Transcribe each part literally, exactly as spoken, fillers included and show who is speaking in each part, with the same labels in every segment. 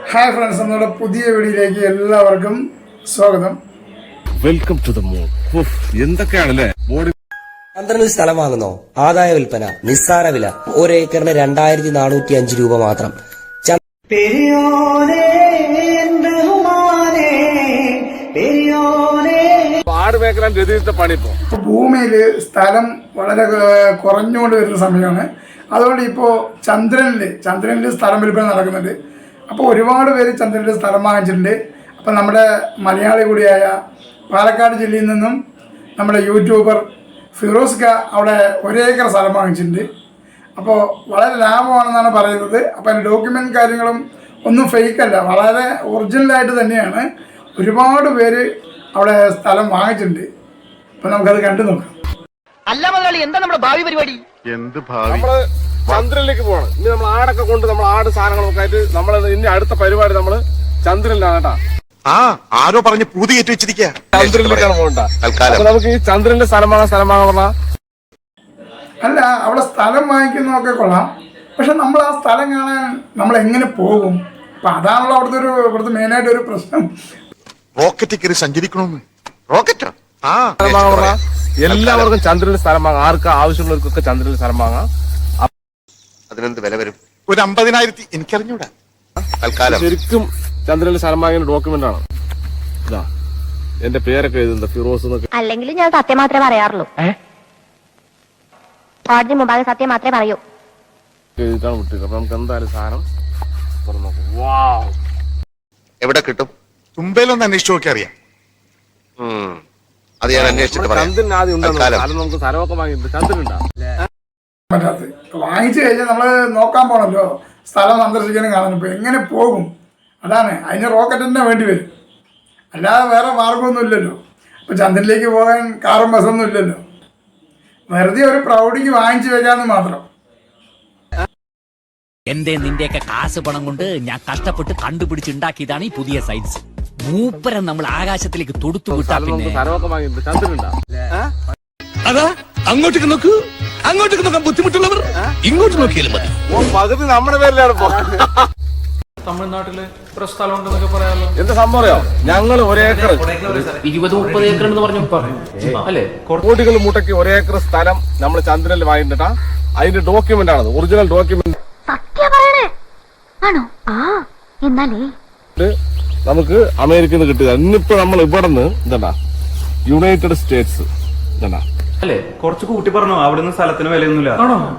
Speaker 1: Hi friends, നമ്മുടെ പുതിയ വീഡിയോയിലേക്ക് എല്ലാവർക്കും സ്വാഗതം.
Speaker 2: Welcome to the moon. എന്തൊക്കെയാണല്ലേ ബോഡി.
Speaker 3: ചന്ദ്രനിൽ സ്ഥലം വാങ്ങുന്നോ? ആദായ വിൽപ്പന, നിസ്സാര വില, ഒരു ഏക്കറിന് രണ്ടായിരത്തി നാനൂറ്റി അഞ്ച് രൂപ മാത്രം.
Speaker 1: ഭൂമിയില് സ്ഥലം വളരെ കുറഞ്ഞുകൊണ്ട് വരുന്ന സമയമാണ്. അതുകൊണ്ട് ഇപ്പോൾ ചന്ദ്രനിൽ ചന്ദ്രനിൽ സ്ഥലം വിൽപ്പന നടക്കുന്നുണ്ട്. അപ്പോൾ ഒരുപാട് പേര് ചന്ദ്രനിൽ സ്ഥലം വാങ്ങിച്ചിട്ടുണ്ട്. അപ്പം നമ്മുടെ മലയാളി കൂടിയായ പാലക്കാട് ജില്ലയിൽ നിന്നും നമ്മുടെ യൂട്യൂബർ ഫിറോസ് ക അവിടെ ഒരേക്കർ സ്ഥലം വാങ്ങിച്ചിട്ടുണ്ട്. അപ്പോൾ വളരെ ലാഭമാണെന്നാണ് പറയുന്നത്. അപ്പോൾ അതിൻ്റെ ഡോക്യുമെൻ്റ് കാര്യങ്ങളും ഒന്നും ഫേക്കല്ല, വളരെ ഒറിജിനലായിട്ട് തന്നെയാണ്. ഒരുപാട് പേര് അവിടെ സ്ഥലം വാങ്ങിച്ചിട്ടുണ്ട്. അപ്പം നമുക്കത് കണ്ടു നോക്കാം.
Speaker 4: അല്ല മുതലാളി, എന്താ നമ്മുടെ ഭാവി പരിപാടി?
Speaker 2: എന്ത് ഭാവി? നമ്മള് ചന്ദ്രനിലേക്ക് പോവാണ്. ഇനി നമ്മൾ ആടൊക്കെ കൊണ്ട് നമ്മൾ ആട് സാധനങ്ങളൊക്കെ ആയിട്ട് നമ്മൾ ഇനി അടുത്ത പരിപാടി നമ്മള് ചന്ദ്രനിലാണ് കേട്ടാ.
Speaker 5: ആ ആരോ പറഞ്ഞ് പൂതി കയറ്റി വെച്ചിരിക്കുക.
Speaker 2: ചന്ദ്രനിലേക്കാണ് പോകണ്ട. നമുക്ക് ഈ ചന്ദ്രന്റെ സ്ഥലം വാങ്ങാൻ സ്ഥലം വാങ്ങാൻ പറഞ്ഞാ
Speaker 1: അല്ല, അവിടെ സ്ഥലം വാങ്ങിക്കുന്നതൊക്കെ കൊള്ളാം. പക്ഷെ നമ്മൾ ആ സ്ഥലം കാണാൻ നമ്മൾ എങ്ങനെ പോകും? അപ്പം അതാണല്ലോ അവിടുത്തെ ഒരു ഇവിടുത്തെ മെയിനായിട്ട് ഒരു പ്രശ്നം.
Speaker 5: റോക്കറ്റ് കയറി സഞ്ചരിക്കണമെന്ന്. റോക്കറ്റോ? ആ
Speaker 2: സ്ഥലം വാങ്ങാൻ പറഞ്ഞാൽ എല്ലാവർക്കും ചന്ദ്രനിൽ സ്ഥലം വാങ്ങാം. ആർക്ക് ആവശ്യമുള്ളവർക്കൊക്കെ ചന്ദ്രനിൽ സ്ഥലം വാങ്ങാം.
Speaker 5: അതിനെന്ത് വില വരും? ഒരു അമ്പതിനായിരത്തി എനിക്കറിഞ്ഞൂടാ. തൽക്കാലം
Speaker 2: ശരിക്കും ചന്ദ്രനിൽ സ്ഥലം വാങ്ങിയ ഡോക്യുമെന്റ് ആണ് ഇതാ. എന്റെ പേരൊക്കെ എഴുതുന്നത് ഫിറോസ് എന്നൊക്കെ.
Speaker 6: അല്ലെങ്കിൽ ഞാൻ സത്യം മാത്രമേ പറയാറുള്ളൂ. കോടതി മുമ്പാകെ സത്യം മാത്രമേ പറയൂ.
Speaker 2: എഴുതിട്ടാണ് വിട്ടത്. അപ്പൊ നമുക്ക് എന്തായാലും സാധനം തുറന്നു നോക്കാം. വാവ്,
Speaker 5: എവിടെ കിട്ടും? തുമ്പയിലൊന്ന് അന്വേഷിച്ചു നോക്കി അറിയാം. അത് ഞാൻ അന്വേഷിച്ചിട്ട് പറയാം.
Speaker 2: ചന്ദ്രൻ ആദ്യം ഉണ്ടാകും. നമുക്ക് സ്ഥലമൊക്കെ വാങ്ങിയിട്ടുണ്ട്. ചന്ദ്രനുണ്ടാ
Speaker 1: പറ്റാത്ത വാങ്ങിച്ചു കഴിഞ്ഞാൽ നമ്മൾ നോക്കാൻ പോകണമല്ലോ, സ്ഥലം സന്ദർശിക്കാനും കാണാനും. ഇപ്പോൾ എങ്ങനെ പോകും? അതാണ്, അതിന് റോക്കറ്റ് തന്നെ വേണ്ടി വരും. അല്ലാതെ വേറെ മാർഗമൊന്നും ഇല്ലല്ലോ. അപ്പോൾ ചന്ദ്രനിലേക്ക് പോകാൻ കാറും ബസ്സൊന്നും ഇല്ലല്ലോ. വെറുതെ ഒരു പ്രൗഢിക്ക് വാങ്ങിച്ചു വെക്കാമെന്ന് മാത്രം.
Speaker 7: എന്റെ നിന്റെയൊക്കെ കാശ് പണം കൊണ്ട് ഞാൻ കഷ്ടപ്പെട്ട് കണ്ടുപിടിച്ചുണ്ടാക്കിയതാണ് ഈ പുതിയ സയൻസ്. മൂപ്പരം നമ്മൾ ആകാശത്തിലേക്ക് തൊടുത്തു വിട്ടാ പിന്നെ
Speaker 2: സ്ഥലമൊക്കെ വാങ്ങിയിട്ടുണ്ട്. ചന്ദ്രനുണ്ടാ
Speaker 8: അതാ അങ്ങോട്ടേക്ക് നോക്കൂ, അങ്ങോട്ടേക്ക് നോക്കാൻ ബുദ്ധിമുട്ടുള്ളവർ ഇങ്ങോട്ട് നോക്കിയാലും മതി.
Speaker 2: പകുതി നമ്മുടെ പേരിലാണ് ഇപ്പൊ.
Speaker 9: തമിഴ്നാട്ടില് ഇത്ര സ്ഥലം ഉണ്ടെന്നൊക്കെ പറയാമല്ലോ.
Speaker 2: എന്താ സംഭവം അറിയോ? ഞങ്ങള് ഒരേക്കർ
Speaker 9: ഇരുപത് മുപ്പത് ഏക്കർ എന്ന് പറഞ്ഞു അല്ലേ?
Speaker 2: കോടികൾ മുട്ടയ്ക്ക് ഒരേക്കർ സ്ഥലം നമ്മൾ ചന്ദ്രനിൽ വാങ്ങിട്ടാ. അതിന്റെ ഡോക്യുമെന്റ് ആണത്, ഒറിജിനൽ ഡോക്യുമെന്റ്. നമുക്ക് അമേരിക്കയിൽ നിന്ന് കിട്ടുക. ഇന്നിപ്പോ നമ്മൾ ഇവിടെ നിന്ന് എന്താ യുണൈറ്റഡ് സ്റ്റേറ്റ്സ് എന്താ
Speaker 9: അല്ലേ? കുറച്ച് കൂട്ടി പറഞ്ഞു. അവിടുന്ന് സ്ഥലത്തിന് വിലയൊന്നുമില്ല.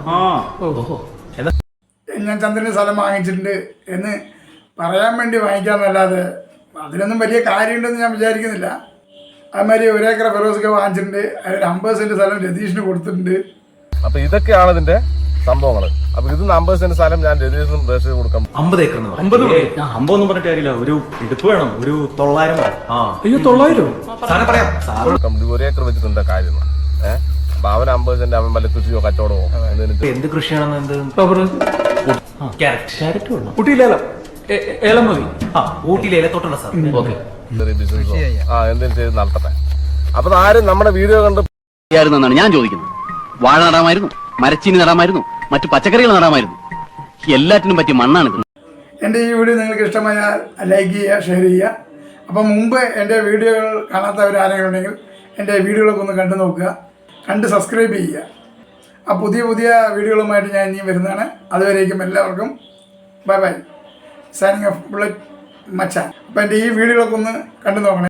Speaker 1: ഞാൻ ചന്ദ്രന് സ്ഥലം വാങ്ങിച്ചിട്ടുണ്ട് എന്ന് പറയാൻ വേണ്ടി വാങ്ങിക്കാമെന്നല്ലാതെ അതിലൊന്നും വലിയ കാര്യമുണ്ടെന്ന് ഞാൻ വിചാരിക്കുന്നില്ല. അതുമാതിരി ഒരേക്കർ ഫിറോസൊക്കെ വാങ്ങിച്ചിട്ടുണ്ട്. അതിൽ അമ്പത് സെന്റ് സ്ഥലം രതീഷിന് കൊടുത്തിട്ടുണ്ട്.
Speaker 2: അപ്പൊ ഇതൊക്കെയാണ് ഇതിന്റെ സംഭവങ്ങൾ. അപ്പൊ ഇത് അമ്പത് സെന്റ് സ്ഥലം ഞാൻ രതീഷിനും രജിസ്റ്റർ കൊടുക്കാം.
Speaker 9: അമ്പത് ഏക്കർ അമ്പത് അമ്പതൊന്നും പറഞ്ഞിട്ട് കാര്യമില്ല. ഒരു എടുപ്പ് വേണം, ഒരു തൊള്ളായിരം. അയ്യോ, തൊള്ളായിരം
Speaker 2: ഒരേക്കർ വെച്ചിട്ടുണ്ട് കാര്യം. ഏഹ് അപ്പൊ അവൻ അമ്പത് സെന്റ് അവൻ വല്ല കൃഷിയോ കച്ചവടമോ
Speaker 9: എന്ത് കൃഷിയാണെന്ന് എന്ത് ഊട്ടിയിലേലം ഏലം മതി. ആ ഊട്ടിയിലെ ഏലത്തോട്ടുള്ള സാർ. ഓക്കെ,
Speaker 2: ബിസിനസ്സോ ആ എന്തെങ്കിലും ചെയ്ത് നടത്തട്ടെ. അപ്പൊ ആരും നമ്മുടെ വീഡിയോ കണ്ട്
Speaker 7: എന്നാണ് ഞാൻ ചോദിക്കുന്നത്. വാഴ നടാമായിരുന്നു, മരച്ചീനി നടാമായിരുന്നു, മറ്റു പച്ചക്കറികൾ നടാമായിരുന്നു. എല്ലാറ്റിനും പറ്റിയ മണ്ണാണിത്.
Speaker 1: എൻ്റെ ഈ വീഡിയോ നിങ്ങൾക്ക് ഇഷ്ടമായാൽ ലൈക്ക് ചെയ്യുക, ഷെയർ ചെയ്യുക. അപ്പം മുമ്പ് എൻ്റെ വീഡിയോകൾ കാണാത്തവർ ആരെങ്കിലും ഉണ്ടെങ്കിൽ എൻ്റെ വീഡിയോകളൊക്കെ ഒന്ന് കണ്ടു നോക്കുക, കണ്ട് സബ്സ്ക്രൈബ് ചെയ്യുക. ആ പുതിയ പുതിയ വീഡിയോകളുമായിട്ട് ഞാൻ ഇനിയും വരുന്നതാണ്. അതുവരേക്കും എല്ലാവർക്കും bye bye. Signing off bullet മച്ചാൻ. അപ്പം എൻ്റെ ഈ വീഡിയോകളൊക്കെ ഒന്ന് കണ്ടു നോക്കണേ.